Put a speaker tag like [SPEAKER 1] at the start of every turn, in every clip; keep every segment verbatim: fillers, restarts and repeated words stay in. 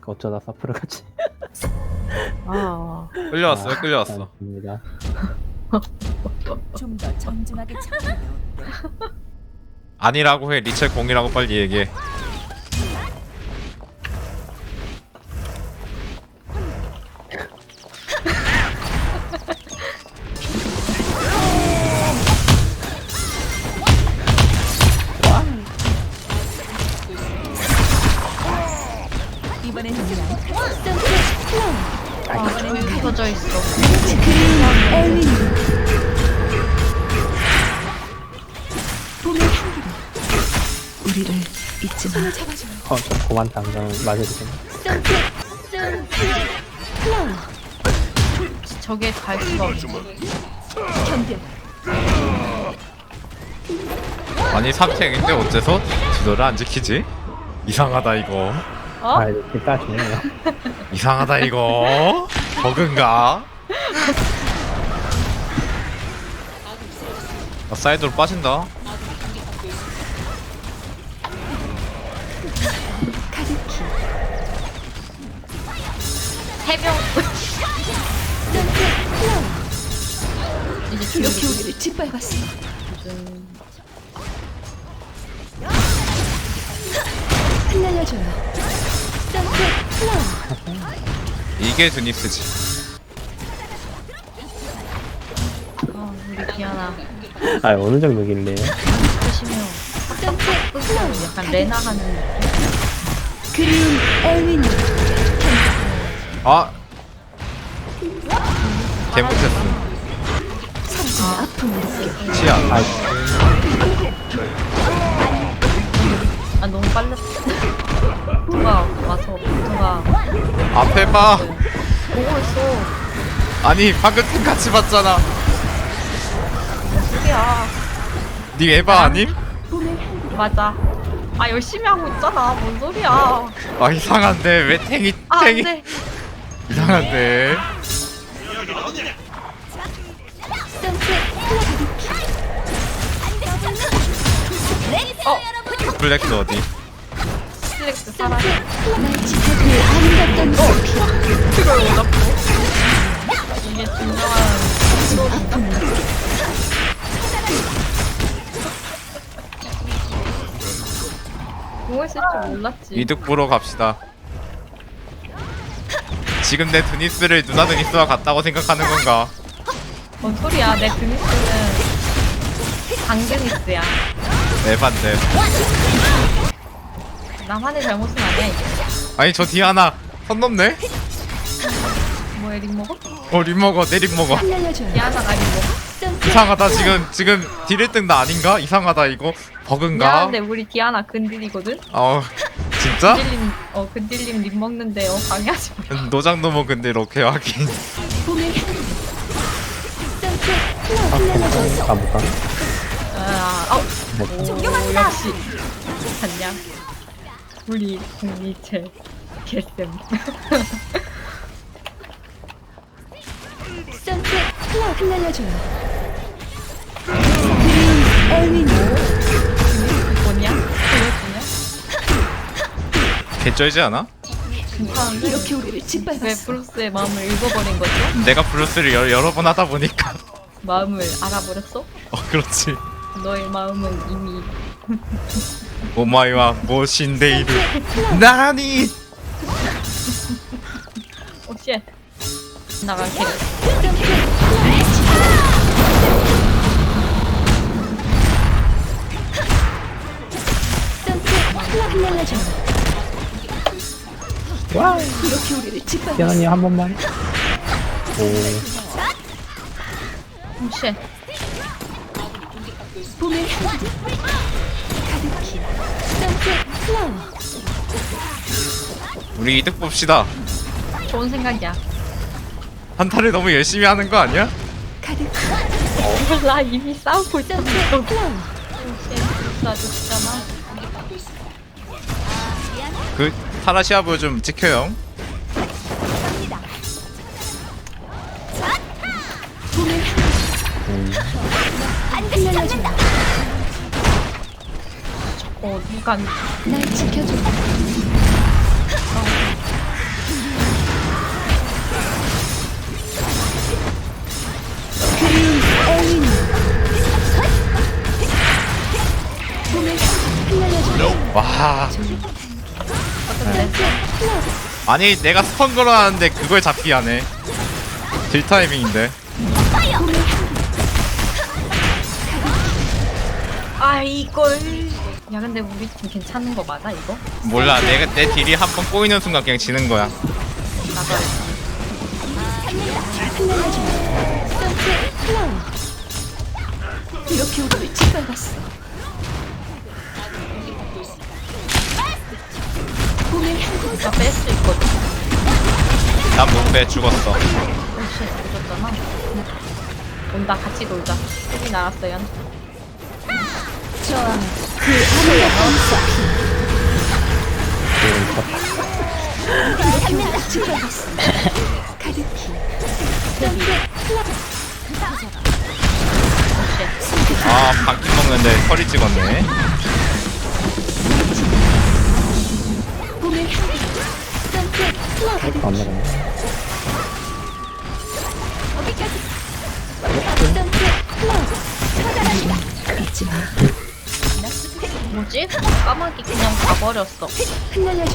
[SPEAKER 1] 어쩌다 사프를 같이.
[SPEAKER 2] 아,
[SPEAKER 3] 끌려왔어요, 끌려왔어.
[SPEAKER 1] 입니다.
[SPEAKER 4] 좀 더 정중하게 참으면 어때?
[SPEAKER 3] 아니라고 해. 리첼 공이라고 빨리 얘기해.
[SPEAKER 4] 이번엔 누구야?
[SPEAKER 2] 아, 왜 켜져 있어?
[SPEAKER 4] 우리를 잊지 마.
[SPEAKER 1] 어, 저 고만 당장 맞아주세요.
[SPEAKER 2] 저게 갈 수가 없어.
[SPEAKER 3] 아니 삼탱인데 어째서 지도를 안 지키지? 이상하다 이거.
[SPEAKER 2] 어?
[SPEAKER 1] 아, 이렇게 까주네요.
[SPEAKER 3] 이상하다 이거. 버그인가? 아, 사이드로 빠진다.
[SPEAKER 2] 해병. 이제
[SPEAKER 4] 이렇게 우리를 짓밟았어. 흩날려줘요.
[SPEAKER 3] 이게 드니스지.
[SPEAKER 2] 어, 우리 디아나
[SPEAKER 1] 아, 어느 정도길래요?
[SPEAKER 2] 보시면 약간 레나 하는 느낌.
[SPEAKER 4] 그리운 엘윈.
[SPEAKER 3] 아. 개못했어.
[SPEAKER 4] 사라지는 아픔을 느껴.
[SPEAKER 3] 치아.
[SPEAKER 1] 아,
[SPEAKER 2] 아 너무 빨랐어. 누가 와서 누가
[SPEAKER 3] 앞에 봐.
[SPEAKER 2] 보고 있어.
[SPEAKER 3] 아니 방금 팀 같이 봤잖아.
[SPEAKER 2] 소리야.
[SPEAKER 3] 니 에바 아님?
[SPEAKER 2] 맞아. 아 열심히 하고 있잖아. 뭔 소리야.
[SPEAKER 3] 아 이상한데 왜 탱이
[SPEAKER 2] 아
[SPEAKER 3] 탱이
[SPEAKER 2] 안돼.
[SPEAKER 3] 이상한데.
[SPEAKER 2] 어
[SPEAKER 3] 블랙스 어디?
[SPEAKER 2] 슬랙스 살아.
[SPEAKER 4] 날 지켜줄 아름답던 숲이
[SPEAKER 2] 그걸 못 잡고. 이게 진정한
[SPEAKER 4] 아픔을 느껴.
[SPEAKER 2] 보고 있을 줄 몰랐지.
[SPEAKER 3] 이득 보러 갑시다. 지금 내 드니스를 누나 드니스와 같다고 생각하는 건가?
[SPEAKER 2] 뭔 소리야. 내 드니스는 강드니스야.
[SPEAKER 3] 에반데.
[SPEAKER 2] 나만의 잘못은 아니야 이게.
[SPEAKER 3] 아니 저 디아나 선 넘네?
[SPEAKER 2] 뭐야 립 먹어?
[SPEAKER 3] 어 립 먹어 내 립 먹어.
[SPEAKER 4] 흩날려줘요.
[SPEAKER 2] 미안하다 립 먹어?
[SPEAKER 3] 이상하다 지금 지금 딜 일 등 나 아닌가? 이상하다 이거 버그인가?
[SPEAKER 2] 미안한데 우리 디아나 근딜이거든?
[SPEAKER 3] 어 진짜?
[SPEAKER 2] 근딜님 어 근딜님 립 먹는데 어 방해하지 마.
[SPEAKER 3] 노장 놈은 근데 이렇게 하긴.
[SPEAKER 4] 봄의 향기.
[SPEAKER 1] 아, 괜찮아. 가볼까?
[SPEAKER 2] 아, 어,
[SPEAKER 1] 네.
[SPEAKER 2] 오, 역시 봤냐? 우리 국리체 개쌤.
[SPEAKER 4] 선셋 클럽 흩날려줘요. 그리운 엘윈.
[SPEAKER 2] 뭐냐? 보여주냐?
[SPEAKER 3] 개쩔지 않아?
[SPEAKER 2] 괜찮은데?
[SPEAKER 4] 이렇게 우리를
[SPEAKER 2] 왜
[SPEAKER 4] 짓밟았어.
[SPEAKER 2] 브루스의 마음을 읽어버린 거죠?
[SPEAKER 3] 내가 블루스를 여, 여러 번 하다 보니까.
[SPEAKER 2] 마음을 알아버렸어?
[SPEAKER 3] 어 그렇지.
[SPEAKER 2] 너의 마음은 이미
[SPEAKER 3] 오마이와 모신데이루 나니.
[SPEAKER 2] 오쉣 나갈게.
[SPEAKER 4] 선셋 클럽 흩날려줘요.
[SPEAKER 1] 와!
[SPEAKER 4] 이렇게 우리를 짓밟았어.
[SPEAKER 1] 태연이 한 번만. 오,
[SPEAKER 2] 오쉣
[SPEAKER 4] 봄의 향기. 가득히. 선셋 플라워.
[SPEAKER 3] 우리 이득 봅시다.
[SPEAKER 2] 좋은 생각이야.
[SPEAKER 3] 한타를 너무 열심히 하는 거 아니야?
[SPEAKER 4] 가득히.
[SPEAKER 2] 몰라 이미 싸우고 있잖아.
[SPEAKER 4] 선셋 플라워.
[SPEAKER 2] 오쉣 놔줬잖아.
[SPEAKER 3] 그 타라시아부 좀 지켜요.
[SPEAKER 4] 봄의 향기.
[SPEAKER 1] 음,
[SPEAKER 4] 흩날려줘요.
[SPEAKER 2] 어 누가
[SPEAKER 4] 날 지켜줘.
[SPEAKER 3] 아니 내가 스펀 걸어놨는데 그걸 잡기 하네. 딜 타이밍인데.
[SPEAKER 2] 아 이걸. 야 근데 우리 팀 괜찮은 거 맞아 이거?
[SPEAKER 3] 몰라 내가 내 딜이 한 번 꼬이는 순간 그냥 지는 거야.
[SPEAKER 2] 나도 알지.
[SPEAKER 4] 선셋 플라워. 이렇게 오를 짓밟았어. 봄의 향기.
[SPEAKER 2] 진짜 뺄 수 있거든.
[SPEAKER 3] 난 못 빼 죽었어.
[SPEAKER 2] 혹시 늦었잖아. 온다 같이 놀자. 헬이 날았어요.
[SPEAKER 4] 저와 그 하늘의 반사. 이렇게 오를 짓밟았어. 가득히. 선셋 플라워.
[SPEAKER 3] 아 바퀴 먹는데 허리 찍었네.
[SPEAKER 4] 봄의 향기. 선셋 플라워.
[SPEAKER 1] 안 나가네.
[SPEAKER 4] 어디까지? 선셋 플라워. 잊지 마.
[SPEAKER 2] 뭐지? 까마귀 그냥 가버렸어.
[SPEAKER 4] 흩날려줘.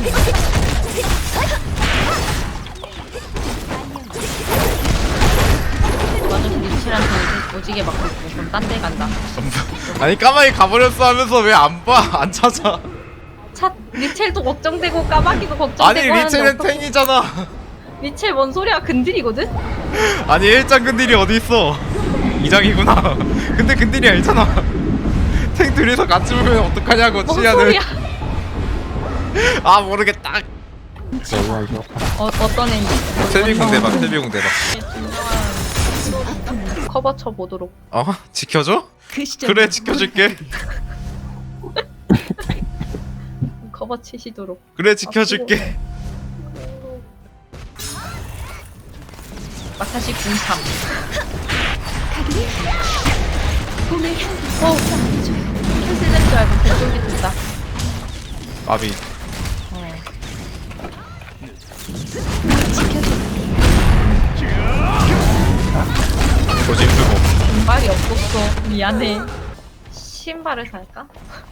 [SPEAKER 2] 나는 리치한테 오지게 맞고 있고 그럼 딴 데 간다.
[SPEAKER 3] 아니 까마귀 가버렸어 하면서 왜 안 봐? 안 찾아.
[SPEAKER 2] 차 리첼도 걱정되고 까마귀도 걱정되고
[SPEAKER 3] 아니
[SPEAKER 2] 하는데
[SPEAKER 3] 리첼은
[SPEAKER 2] 어떡-
[SPEAKER 3] 탱이잖아.
[SPEAKER 2] 리첼 뭔 소리야 근딜이거든?
[SPEAKER 3] 아니 일장 근딜이 어디 있어? 이장이구나. 근데 근딜이 아니잖아. 탱 둘이서 같이 보면 어떡하냐고
[SPEAKER 2] 뭔
[SPEAKER 3] 치아는.
[SPEAKER 2] 소리야?
[SPEAKER 3] 아 모르겠다.
[SPEAKER 1] 너무 이거.
[SPEAKER 2] 어, 어떤 애인지
[SPEAKER 3] 셀비공 대박 셀비공 대박.
[SPEAKER 2] 커버 쳐보도록.
[SPEAKER 3] 어? 지켜줘?
[SPEAKER 4] 그 시절
[SPEAKER 3] 그래 지켜줄게.
[SPEAKER 2] 커버 치시도록.
[SPEAKER 3] 그래 지켜줄게.
[SPEAKER 2] 마사시 궁삼.
[SPEAKER 4] 가득히. 봄의 향기.
[SPEAKER 2] 어 캔슬된 줄 알고 개쫄기 든다.
[SPEAKER 3] 마비.
[SPEAKER 2] 어.
[SPEAKER 4] 지켜줘.
[SPEAKER 3] 조짐 쓰고.
[SPEAKER 2] 신발이 없었어. 미안해. 신발을 살까?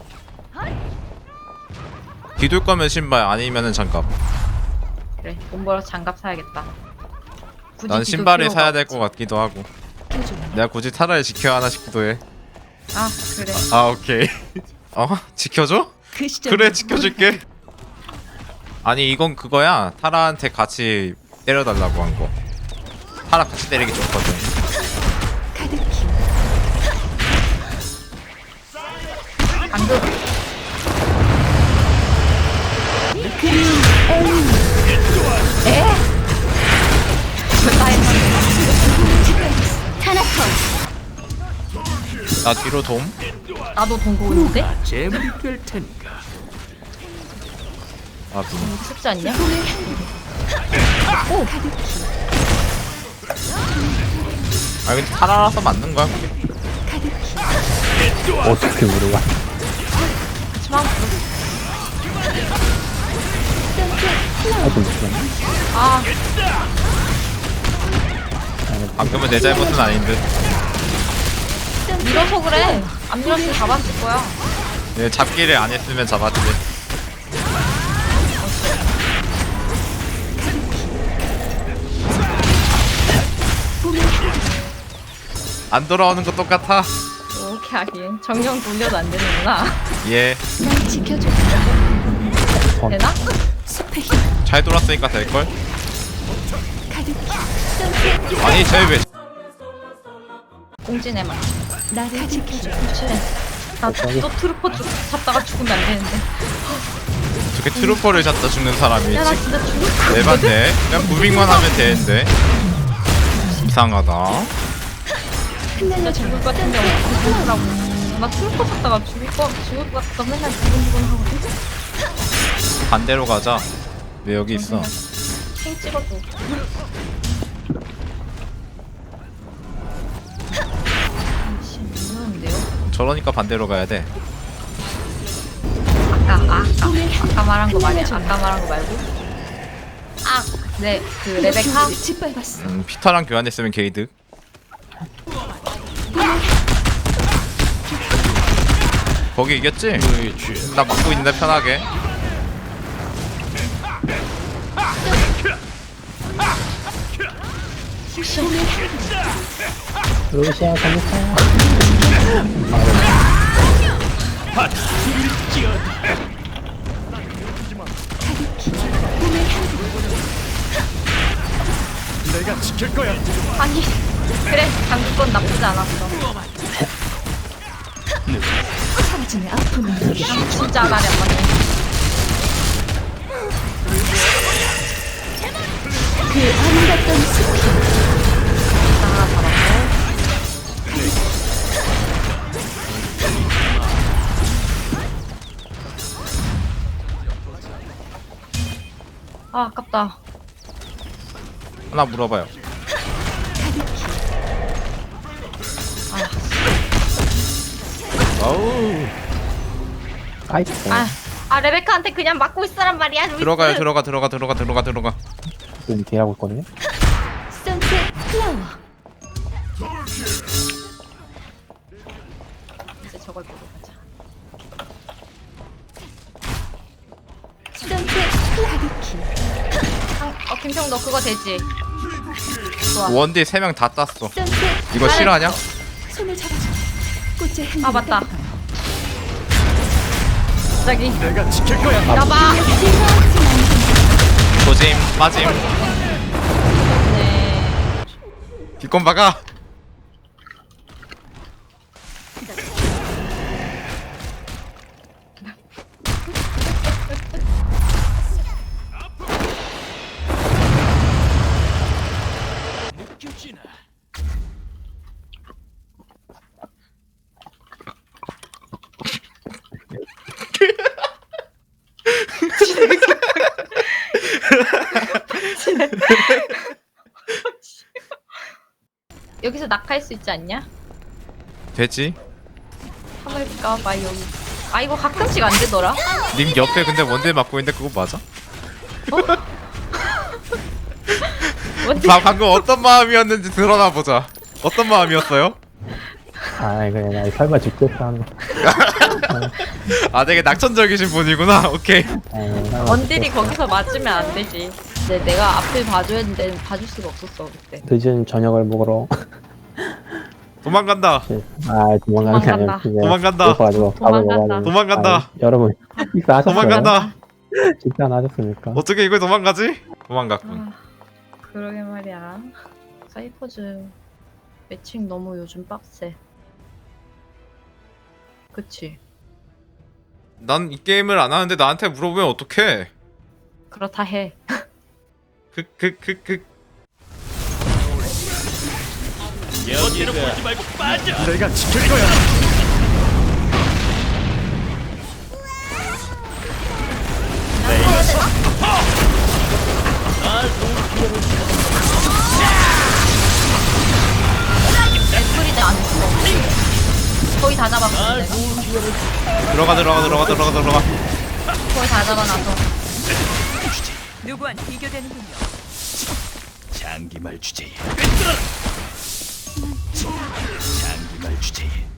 [SPEAKER 3] 뒤돌 거면 신발 아니면은 장갑.
[SPEAKER 2] 그래 돈 벌어서 장갑 사야겠다. 굳이
[SPEAKER 3] 난
[SPEAKER 2] 뒤돌
[SPEAKER 3] 신발을
[SPEAKER 2] 필요가
[SPEAKER 3] 사야 될
[SPEAKER 2] 없지.
[SPEAKER 3] 것 같기도 하고.
[SPEAKER 4] 지켜줘.
[SPEAKER 3] 내가 굳이 타라를 지켜야 하나 싶기도 해.
[SPEAKER 2] 아 그래.
[SPEAKER 3] 아 오케이. 어? 지켜줘?
[SPEAKER 4] 그 시절
[SPEAKER 3] 그래 지켜줄게. 아니 이건 그거야. 타라한테 같이 때려달라고 한 거. 타라 같이 때리기 좋거든.
[SPEAKER 4] 가득히.
[SPEAKER 2] 방금
[SPEAKER 4] 그리움 엘리. 타나톤.
[SPEAKER 3] 나 뒤로 돔.
[SPEAKER 2] 나도 동고 오는데?
[SPEAKER 3] 아
[SPEAKER 2] 쉽지 않냐?
[SPEAKER 4] 봄의 향기. 오 가득히.
[SPEAKER 3] 아 근데 타라라서 맞는 거야 그게.
[SPEAKER 4] 가득히.
[SPEAKER 1] 어떻게 물어봐?
[SPEAKER 2] 하지만
[SPEAKER 4] 선셋 플라워.
[SPEAKER 1] 아좀 무슨.
[SPEAKER 2] 아
[SPEAKER 3] 방금은 내 잘못은 아닌 듯.
[SPEAKER 2] 밀어서 그래. 안 밀었으면 잡았을 거야.
[SPEAKER 3] 얘 잡기를 안 했으면 잡았지.
[SPEAKER 4] 봄의 향기.
[SPEAKER 3] 안 돌아오는 거 똑같아.
[SPEAKER 2] 이렇게 하긴 정령 돌려도 안 되는구나.
[SPEAKER 3] 얘 잘
[SPEAKER 4] 날 지켜줘.
[SPEAKER 2] 되나?
[SPEAKER 4] 숲의 힘.
[SPEAKER 3] 돌았으니까 될걸?
[SPEAKER 4] 가득히. 선셋.
[SPEAKER 3] 아니 쟤왜
[SPEAKER 2] 꽁지네만.
[SPEAKER 4] 나를 지켜줘.
[SPEAKER 2] 그래. 나또 트루퍼 주, 잡다가 죽으면 안 되는데.
[SPEAKER 3] 저게 트루퍼를 잡다 죽는 사람이
[SPEAKER 2] 야 나
[SPEAKER 3] 지금
[SPEAKER 2] 진짜 죽을 것 같거든?
[SPEAKER 3] 에반데? 그냥 무빙만 하면 되는데. 이상하다.
[SPEAKER 2] 진짜
[SPEAKER 4] 흩날려줘.
[SPEAKER 2] 죽을 것 같은데 어떡하라고. 나 트루퍼 잡다가 죽을 거 죽을 것 같다 맨날 두근두근 하거든?
[SPEAKER 3] 반대로 가자. 왜 여기 있어?
[SPEAKER 2] 킹 찍어줘. 씨, 무서운데요?
[SPEAKER 3] 저러니까 반대로 가야 돼.
[SPEAKER 2] 아까 아, 아까 아까 말한 거 말이야. 아까 말한 거 말고. 아, 네, 그 레베카.
[SPEAKER 4] 짓밟았어.
[SPEAKER 3] 음, 피터랑 교환했으면 게이득. 거기 이겼지? 나 막고 있는데 편하게.
[SPEAKER 2] 포션.
[SPEAKER 1] 루시아 잘못해요.
[SPEAKER 5] 내가 지킬 거야.
[SPEAKER 2] 아니 그래 장기권 나쁘지 않았어.
[SPEAKER 4] 사라지는 아픔을 느껴.
[SPEAKER 2] 진짜 말이 안 맞네.
[SPEAKER 4] 그 아름답던 숲.
[SPEAKER 2] 하나 잡았고. 아 아깝다.
[SPEAKER 3] 하나 물어봐요.
[SPEAKER 1] 어우. 아이고.
[SPEAKER 2] 아, 아 레베카한테 그냥 맞고 있으란 말이야. 루이스.
[SPEAKER 3] 들어가요 들어가 들어가 들어가 들어가 들어가.
[SPEAKER 1] 지금 뒤하고 있거든요.
[SPEAKER 4] 선셋 플라워.
[SPEAKER 2] 이제 저걸 보고 가자.
[SPEAKER 4] 선셋 가득히.
[SPEAKER 2] 어 김평 너 그거 되지? 좋아.
[SPEAKER 3] 원딜 세 명 다 땄어.
[SPEAKER 4] 선셋
[SPEAKER 3] 이거 싫어하냐?
[SPEAKER 4] 손을 잡아줘. 꽃의 흔적을
[SPEAKER 2] 아 맞다. 갑자기
[SPEAKER 5] 내가 지킬 거야.
[SPEAKER 2] 나봐.
[SPEAKER 3] 조짐 빠짐.
[SPEAKER 2] 네.
[SPEAKER 3] 뒷건 박아.
[SPEAKER 2] 여기서 낙할 수 있지 않냐?
[SPEAKER 3] 되지?
[SPEAKER 2] 한번 해볼까? 봐 여기. 아 이거 가끔씩 안 되더라.
[SPEAKER 3] 님 옆에 근데 원딜 맞고 있는데 그거 맞아?
[SPEAKER 2] 뭔데?
[SPEAKER 3] 나 방금 어떤 마음이었는지 드러나 보자. 어떤 마음이었어요?
[SPEAKER 1] 아 이거 나 설마 죽겠다 하는 거.
[SPEAKER 3] 아 되게 낙천적이신 분이구나. 오케이.
[SPEAKER 1] 아이, 설마
[SPEAKER 2] 원딜이
[SPEAKER 1] 죽겠다.
[SPEAKER 2] 거기서 맞으면 안 되지. 근데 내가 앞을 봐줘야 했는데 봐줄 수가 없었어 그때.
[SPEAKER 1] 늦은 저녁을 먹으러.
[SPEAKER 3] 도망간다.
[SPEAKER 1] 아 도망가는 게 아니라
[SPEAKER 2] 도망간다.
[SPEAKER 1] 그냥
[SPEAKER 3] 도망간다.
[SPEAKER 1] 배고파가지고 밥을
[SPEAKER 2] 도망간다.
[SPEAKER 1] 먹어가지고.
[SPEAKER 3] 도망간다.
[SPEAKER 1] 아, 여러분 식사하셨어요?
[SPEAKER 3] 도망간다.
[SPEAKER 1] 식사 안 하셨습니까?
[SPEAKER 3] 어떻게 이걸 도망가지? 도망갔군.
[SPEAKER 2] 아, 그러게 말이야. 사이퍼즈 매칭 너무 요즘 빡세. 그치?
[SPEAKER 3] 난 이 게임을 안 하는데 나한테 물어보면 어떡해?
[SPEAKER 2] 그렇다 해.
[SPEAKER 3] 그 그 그 그.
[SPEAKER 5] 내가 지킬 거야.
[SPEAKER 2] 애플이도 안 했어. 거의 다 잡았어. 내가.
[SPEAKER 3] 들어가 들어가 들어가 들어가 들어가.
[SPEAKER 2] 거의 다 잡아놔서.
[SPEAKER 6] 누구한 비교되는군요.
[SPEAKER 5] 장기말 주제에 장기말 주제에